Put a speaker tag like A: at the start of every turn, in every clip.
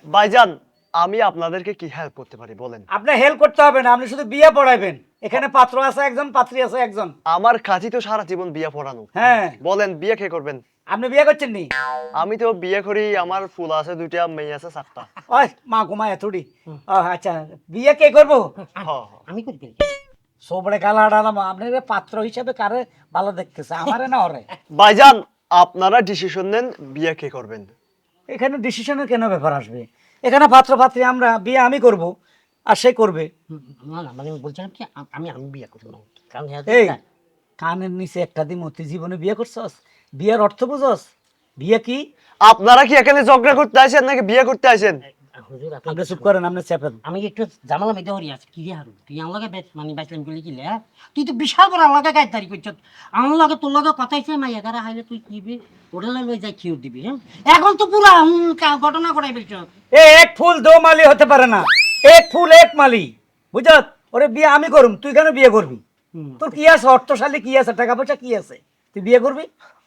A: ভাইজান, আমি আপনাদেরকে কি হেল্প করতে পারি বলেন?
B: আপনি হেল্প করতে হবে না, আপনি শুধু বিয়ে পড়াইবেন। এখানে পাত্র আছে একজন, পাত্রী আছে একজন।
A: আমার কাজই তো সারা জীবন বিয়ে পড়ানো।
B: হ্যাঁ,
A: বলেন বিয়ে কে করবেন?
B: আপনি বিয়ে করছেন নি?
A: আমি তো বিয়ে করি, আমার ফুল আছে দুইটা, মেয়ে আছে 7টা।
B: ওই মা ঘুমা এতটি। ও আচ্ছা, বিয়ে কে করবো?
A: হ্যাঁ।
C: আমি করবি
B: সোবড়ে কালা ডালাম, আপনার পাত্র হিসেবে কারে ভালো দেখতেছে, আমারে না ওরে?
A: ভাইজান, আপনারা ডিসিশন নেন বিয়ে কে করবেন।
B: এখানে ডিসিশনের কেন ব্যাপার আসবে? এখানে পাত্র পাত্রী আমরা, বিয়ে আমি করব আর সে করবে।
C: না না, মানে বলছিলাম কি আমি আমি বিয়ে করবো না। কারণ
B: এই কানের নিচে একটা দিন তুই জীবনে বিয়ে করছস? বিয়ের অর্থ বুঝস? বিয়ে কি?
A: আপনারা কি এখানে ঝগড়া করতে আসেন নাকি বিয়ে করতে আসেন?
C: হুজুর
B: আপনি চুপ করেন, আপনি চেপেন।
C: আমি একটু জামালা মেয়েদের হরি আছে কি রে হারু, তুই আমার লগে মানে বাইসলাম গুলি কি লে? তুই তো বিশাল বড় আমার লগে গাইতারি করছ। আমার লগে তোর লগে কথা হইছে, মাইয়া গারা হাইলে তুই কিবি ওটা লই যাই খিউর দিবি। হ্যাঁ এখন তো পুরা ঘটনা করাই ফেলছ।
B: এক ফুল দো মালি হতে পারে না, এক ফুল এক মালি, বুঝত? ওরে বিয়ে আমি করুম, তুই কেন বিয়ে করবি? তোর কি আছে, অর্থশালী কি আছে, টাকা পয়সা কি আছে, তুই বিয়ে করবি?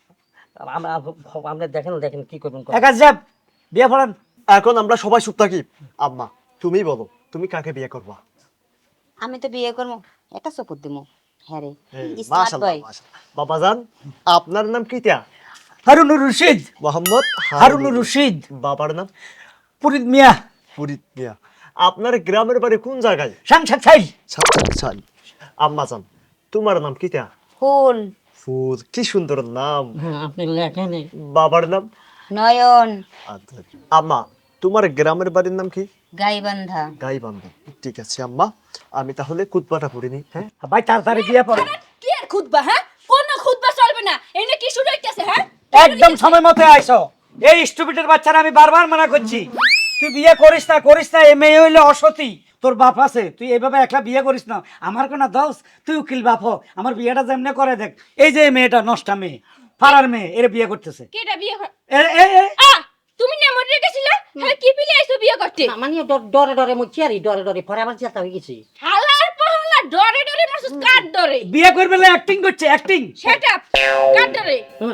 C: আমরা আমরা দেখেন দেখেন কি করবেন।
B: একা যাব বিয়ে পড়ান।
A: এখন আমরা সবাই চুপ থাকি। আম্মা, তুমি বলো, তুমি কাকে বিয়ে করবা?
D: আমি তো বিয়ে করবো, এটা সপুর দিমু। হ্যাঁ রে, স্মার্ট
A: মাশাআল্লাহ,
D: বয়।
A: মাশাআল্লাহ। বাবাজান, আপনার নাম কি তা?
B: হারুনুর রশিদ।
A: মোহাম্মদ
B: হারুনুর রশিদ।
A: বাবার নাম?
B: পুরিত মিয়া।
A: ফরিদ মিয়া। আপনার গ্রামের বাড়ি কোন জায়গায়?
B: সাংসার ছাই।
A: সাল। আম্মাজান, তোমার নাম কি তা?
D: ফুল।
A: ফুল, কি সুন্দর নাম।
C: হ্যাঁ আপনি লেখেন।
A: বাবার নাম?
D: নয়ন।
A: আচ্ছা। আম্মা, তোমার গ্রামের বাড়ির নাম কি?
D: গাইবান্ধা।
A: গাইবান্ধা। ঠিক আছে আম্মা, আমি তাহলে কুতবাটা পড়িনি। হ্যাঁ
B: ভাই তাড়াতাড়ি বিয়ে পড়ো।
E: কি আর খুদবা? হ্যাঁ, কোন খুদবা চলবে না, এনে কি শুরু হইতাছে? হ্যাঁ,
B: একদম সময় মতো আইসো। এই স্টুপিডের বাচ্চারা আমি বারবার মানা করছি, তুই বিয়ে করিস না করিস না, এ মেয়ে হইলে অসতী, তোর বাপ আছে, তুই এইভাবে একলা বিয়ে করিস না। আমার কোনো দোষ? তুই উকিল বাপ হ, আমার বিয়েটা যেমনে করে দেখ। এই যে এই মেয়েটা নষ্টা মেয়ে, ফারার মেয়ে, এর বিয়ে করতেছে।
E: কেডা বিয়ে হয়?
B: এ
E: আ তুমি না মরে গেছিলা? হ্যাঁ, কি পিলে আইছো বিয়ে করতে?
C: মানে ডরে ডরে মুছি আর ডরে ডরে পরে আবার চেতা হয়ে গেছি।
E: হালার পাহালা ডরে ডরে মারছস, কার ডরে?
B: বিয়ে করবে না, অ্যাক্টিং করছে অ্যাক্টিং।
E: সেট আপ, কার ডরে?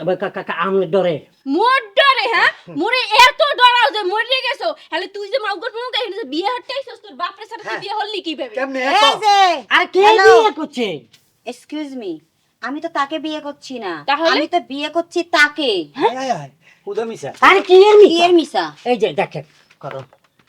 C: আমি ডরে
E: মোর ডরে? হ্যাঁ, মোরে এত ডরাও যে মরে গেছো। হলে তুই যে মাউগর মুখ গাইলি যে বিয়ে হতে আইছস, তোর বাপের সাথে তুই বিয়ে হলি কিভাবে?
B: কেমনে
D: এই যে,
C: আর কে
D: Hello?
C: বিয়ে করছে?
D: এক্সকিউজ মি, আমি তো তাকে বিয়ে করছি না,
E: তাহলে?
D: আমি তো বিয়ে করছি তাকে।
B: উদা মিশা।
C: আর কি এর
D: বিয়ের মিশা।
C: এই যে দেখেন করো।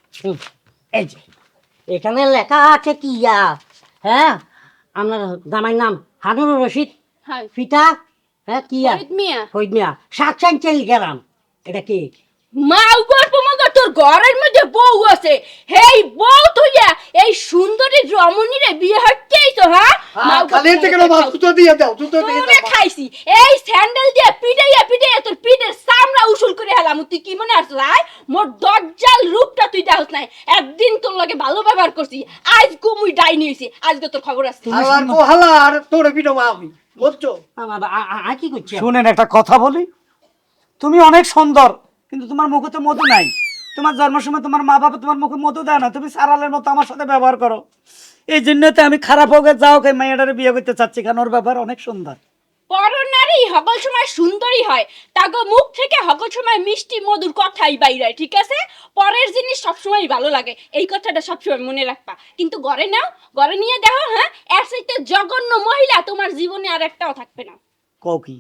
C: এই যে এখানে লেখা আছে কি ইয়া? হ্যাঁ আপনার জামাইর নাম হারুনুর রশিদ,
E: হ্যাঁ,
C: পিতা হ্যাঁ কি ইয়া?
E: ফরিদ মিয়া।
C: ফরিদ মিয়া, সাকসান চেল গেলাম। এটা কি?
E: মাউগর পুমাগর তোর ঘরের মধ্যে বউ আছে, হেই বউ তুইয়া এই সুন্দরী রমণীরে বিয়ে হতে আইছো? হ্যাঁ,
B: খালি থেকে না জুতো দিয়ে দাও, জুতো দিয়ে
E: তোরে
B: দাও।
E: খাইছি এই স্যান্ডেল দিয়ে পিটাইয়া পিটাইয়া তোর পিঠের চামড়া উসুল করে হেলাম। তুই কি মনে আসছ লাই? মোর দজ্জাল রূপটা তুই দেখছ নাই? একদিন তোর লগে ভালো ব্যবহার করছি, আজ গুমুই ডাইনি হইছি, আজকে তোর খবর আছে।
B: হালার কো হালা, আর তোরে পিটো আমি, বুঝছো?
C: আর কি করছে?
B: শুনেন একটা কথা বলি, তুমি অনেক সুন্দর, কিন্তু তোমার মুখে তো মধু নাই। তোমার জন্মের সময় তোমার মা বাবা তোমার মুখে মধু দেয় না, তুমি সারালের মতো আমার সাথে ব্যবহার করো। এই জন্যতে আমি খারাপ হোক যাও কে মেয়েটারে বিয়ে করতে চাচ্ছি, কারণ ওর ব্যাপার অনেক সুন্দর।
E: পরনারী সকল সময় সুন্দরী হয়, তাগো মুখ থেকে সকল সময় মিষ্টি মধুর কথাই বাইরে, ঠিক আছে? পরের জিনিস সবসময় ভালো লাগে, এই কথাটা সবসময় মনে রাখবা। কিন্তু ঘরে নাও, ঘরে নিয়ে দেখো, হ্যাঁ, এর চাইতে জঘন্য মহিলা তোমার জীবনে আর একটাও থাকবে না।
B: কও কি?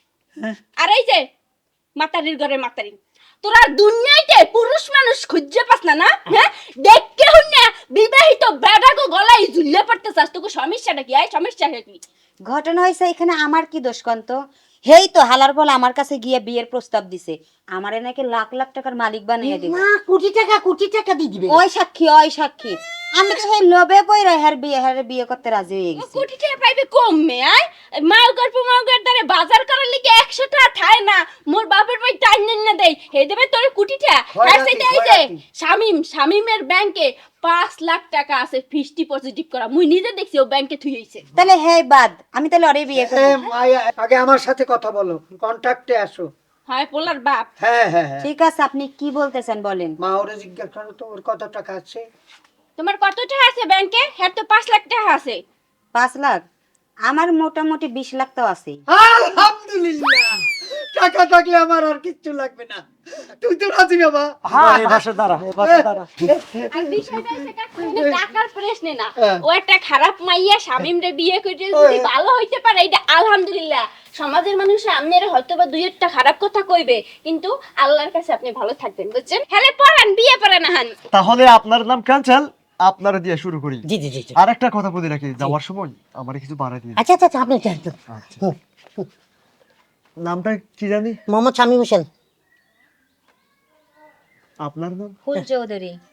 E: আর এই যে মাতারির ঘরে মাতারি, তোরা দুনিয়াতে পুরুষ মানুষ খুঁজে পাস না, না? হ্যাঁ, দেখকে হুন্না বিবাহিত বেড়াগো গলায় ঝুলে পড়তে চাস, তোকে সমস্যাটা কি? সমস্যা কি?
D: ঘটনা হয়েছে এখানে আমার কি দোষ কন্ত? হেই তো হালার বল আমার কাছে গিয়ে বিয়ের প্রস্তাব দিছে, আমারে নাকি লাখ লাখ টাকার মালিক বানিয়ে দিবে।
C: না কোটি টাকা দিয়ে দিবে।
D: ওই সাক্ষী, ওই সাক্ষী। আমি তো সেই লোভে পইরা হের বিয়ে করতে রাজি হয়ে গেছি।
E: কোটি টাকা পাইবে কমে? আয় মাউগার পুমাউগার দ্বারে বাজার করার লিগে 100 টাকা ঠায় না, মোর বাপের ভাই টাইন না দেই, হে দেবে তোর কোটি টাকা। আর সেইটা এই যে শামিমের ব্যাংকে 5 লাখ টাকা আছে ফিক্সড ডিপোজিট করা, মুই নিজে দেখছি ও ব্যাংকে থুই হইছে।
D: তাহলে হেই বাদ, আমি তাহলে ওরে বিয়ে করব।
B: আগে আমার সাথে কথা বলো, কন্টাক্টে আসো।
E: হয় পোলার বাপ।
B: হ্যাঁ হ্যাঁ হ্যাঁ,
D: ঠিক আছে, আপনি কি বলতেছেন বলেন।
B: মা ওরে জিজ্ঞাসা করো তো ওর কত টাকা আছে।
E: তোমার কত টাকা আছে ব্যাংকে? হ্যাঁ তো 5 লাখ টাকা আছে।
D: 5 লাখ? আমার মোটামুটি 20 লাখ তো আছে।
B: আলহামদুলিল্লাহ, টাকা থাকলে আমার আর কিচ্ছু লাগবে না।
A: তুই তো রাজি বাবা।
B: হ্যাঁ এই পাশে দাঁড়া, এই পাশে দাঁড়া।
E: আর বিষয়টা হচ্ছে কাকু, এটা টাকার প্রশ্ন না। ও একটা খারাপ মাইয়া শামিমরে বিয়ে করে যদি ভালো হইতে পারে এটা আলহামদুলিল্লাহ। সমাজের মানুষ আপনারা হয়তো বা দুই একটা খারাপ কথা কইবে, কিন্তু আল্লাহর কাছে আপনি ভালো থাকবেন, বুঝছেন? হেলে পড়ান, বিয়ে পড়ান হান।
A: তাহলে আপনার নাম ক্যান্সেল, আপনারা দিয়ে শুরু করি।
C: জি জি জি জি।
A: আর একটা কথা বলে রাখি, যাওয়ার সময় আমার কিছু বাড়াই দিন।
C: আচ্ছা আচ্ছা আচ্ছা, আপনি যান।
A: আচ্ছা। নামটা কি জানি?
C: মোহাম্মদ শামীম হোসেন।
A: আপনার নাম?
D: ফুল চৌধুরী।